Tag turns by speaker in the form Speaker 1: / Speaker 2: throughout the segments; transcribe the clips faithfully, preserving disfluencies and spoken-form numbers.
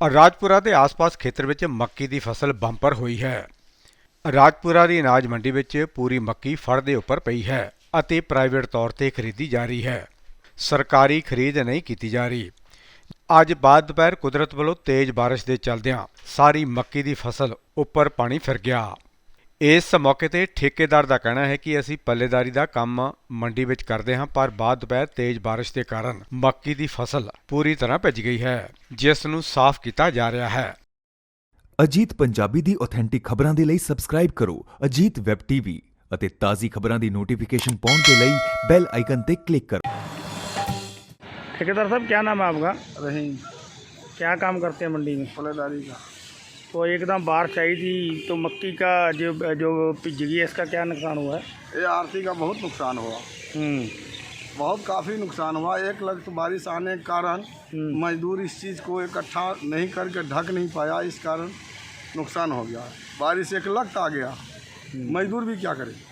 Speaker 1: ਰਾਜਪੁਰਾ ਦੇ ਆਸ-ਪਾਸ ਖੇਤਰ ਵਿੱਚ ਮੱਕੀ ਦੀ ਫਸਲ ਬੰਪਰ ਹੋਈ ਹੈ। ਰਾਜਪੁਰਾ ਦੀ ਅਨਾਜ ਮੰਡੀ ਵਿੱਚ ਪੂਰੀ ਮੱਕੀ ਫੜ ਦੇ ਉੱਪਰ ਪਈ ਹੈ ਅਤੇ ਪ੍ਰਾਈਵੇਟ ਤੌਰ ਤੇ ਖਰੀਦੀ ਜਾ ਰਹੀ ਹੈ। ਸਰਕਾਰੀ ਖਰੀਦ ਨਹੀਂ ਕੀਤੀ ਜਾ ਰਹੀ। ਅੱਜ ਬਾਅਦ ਦੁਪਹਿਰ ਕੁਦਰਤ ਵੱਲੋਂ ਤੇਜ਼ ਬਾਰਿਸ਼ ਦੇ ਚੱਲਦਿਆਂ ਸਾਰੀ ਮੱਕੀ ਦੀ ਫਸਲ ਉੱਪਰ ਪਾਣੀ ਫਿਰ ਗਿਆ। ਇਸ ਮੌਕੇ ਤੇ ਠੇਕੇਦਾਰ ਦਾ ਕਹਿਣਾ ਹੈ ਕਿ ਅਸੀਂ ਪੱਲੇਦਾਰੀ ਦਾ ਕੰਮ ਮੰਡੀ ਵਿੱਚ ਕਰਦੇ ਹਾਂ, ਪਰ ਬਾਅਦ ਦੁਪਹਿਰ ਤੇਜ਼ ਬਾਰਿਸ਼ ਦੇ ਕਾਰਨ ਮੱਕੀ ਦੀ ਫਸਲ ਪੂਰੀ ਤਰ੍ਹਾਂ ਭਿੱਜ ਗਈ ਹੈ, ਜਿਸ ਨੂੰ ਸਾਫ਼ ਕੀਤਾ ਜਾ ਰਿਹਾ ਹੈ।
Speaker 2: ਅਜੀਤ ਪੰਜਾਬੀ ਦੀ ਆਥੈਂਟਿਕ ਖਬਰਾਂ ਦੇ ਲਈ ਸਬਸਕ੍ਰਾਈਬ ਕਰੋ ਅਜੀਤ ਵੈਬ ਟੀਵੀ ਅਤੇ ਤਾਜ਼ੀ ਖਬਰਾਂ ਦੀ ਨੋਟੀਫਿकेशन पाने के लिए बेल आइकन पे क्लिक करो।
Speaker 3: ठेकेदार साहब, क्या नाम है आपका?
Speaker 4: रहीम।
Speaker 3: क्या काम करते हैं मंडी में?
Speaker 4: पल्लेदारी का।
Speaker 3: तो एकदम बारिश आई थी तो मक्की का जो जो पिज गई है, इसका क्या नुकसान हुआ है?
Speaker 4: ये आरती का बहुत नुकसान हुआ,
Speaker 3: हम्म
Speaker 4: बहुत काफ़ी नुकसान हुआ। एक लग तो बारिश आने के कारण मजदूर इस चीज़ को इकट्ठा नहीं करके ढक नहीं पाया, इस कारण नुकसान हो गया। बारिश एक लग आ गया, मजदूर भी क्या करे।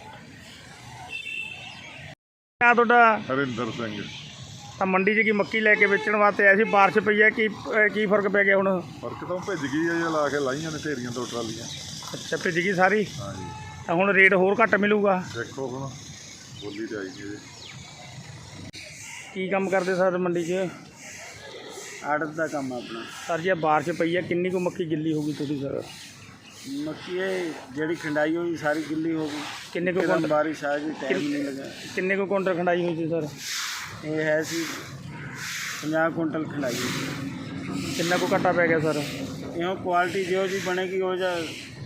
Speaker 3: क्या ਤੁਹਾਡਾ?
Speaker 5: ਹਰਿੰਦਰ ਸਿੰਘ।
Speaker 3: ਤਾਂ ਮੰਡੀ 'ਚ ਕੀ ਮੱਕੀ ਲੈ ਕੇ ਵੇਚਣ ਵਾਸਤੇ ਆਏ ਸੀ, ਬਾਰਿਸ਼ ਪਈ ਹੈ, ਕੀ ਕੀ ਫਰਕ ਪੈ ਗਿਆ ਹੁਣ?
Speaker 5: ਫਰਕ ਤਾਂ ਭਿੱਜ ਗਈ ਹੈ, ਇਹ ਲਾ ਕੇ ਲਾਈਆਂ ਨੇ ਢੇਰੀਆਂ ਦੋ ਟਰਾਲੀਆਂ।
Speaker 3: ਅੱਛਾ, ਭਿੱਜ ਗਈ ਸਾਰੀ।
Speaker 5: ਹਾਂਜੀ,
Speaker 3: ਤਾਂ ਹੁਣ ਰੇਟ ਹੋਰ ਘੱਟ ਮਿਲੂਗਾ?
Speaker 5: ਦੇਖੋ ਹੁਣ ਬੋਲੀ ਤੇ ਆਈ ਜੀ।
Speaker 3: ਕੀ ਕੰਮ ਕਰਦੇ ਸਰ ਮੰਡੀ 'ਚ?
Speaker 4: आड़त का काम है अपना।
Speaker 3: ਸਰ ਜੇ ਬਾਰਿਸ਼ ਪਈ ਹੈ, ਕਿੰਨੀ ਕੁ ਮੱਕੀ ਗਿੱਲੀ ਹੋ ਗਈ ਤੁਸੀਂ ਸਰ?
Speaker 4: मक्की जड़ी खंडाई हुई सारी गिल्ली हो गई।
Speaker 3: ਕਿੰਨੇ ਕੁ
Speaker 4: एकदम
Speaker 3: ਕੁਇੰਟਲ
Speaker 4: बारिश आएगी, टाइम नहीं लगा।
Speaker 3: ਕਿੰਨੇ ਕੁ ਕੁਇੰਟਲ ਖੰਡਾਈ ਹੋਈ ਸੀ ਸਰ?
Speaker 4: ये है सी पचास कुंटल खंडाई हुई।
Speaker 3: ਕਿੰਨਾ ਕੁ ਘਾਟਾ ਪੈ ਗਿਆ ਸਰ?
Speaker 4: यहाँ क्वालिटी जो जी बनेगी हो जा,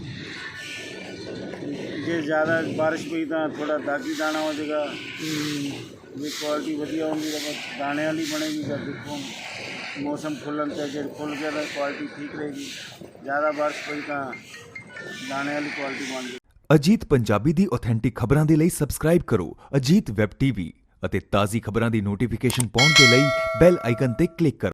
Speaker 4: जे ज़्यादा बारिश हुई तो थोड़ा दागी दाना हो जाएगा। जे क्वालिटी वधिया होगी तो दाने वाली बनेगी। जब देखो मौसम खुलन तो जे खुल गया तो क्वालिटी ठीक रहेगी। ज़्यादा बारिश हुई तो दाने वाली क्वालिटी बन गई।
Speaker 2: ਅਜੀਤ ਪੰਜਾਬੀ ਦੀ ਆਥੈਂਟਿਕ ਖਬਰਾਂ ਦੇ ਲਈ ਸਬਸਕ੍ਰਾਈਬ ਕਰੋ ਅਜੀਤ ਵੈਬ ਟੀਵੀ ਅਤੇ ਤਾਜ਼ੀ ਖਬਰਾਂ ਦੀ ਨੋਟੀਫਿकेशन ਪਾਉਣ ਦੇ ਲਈ ਬੈਲ ਆਈਕਨ ਤੇ ਕਲਿੱਕ ਕਰੋ।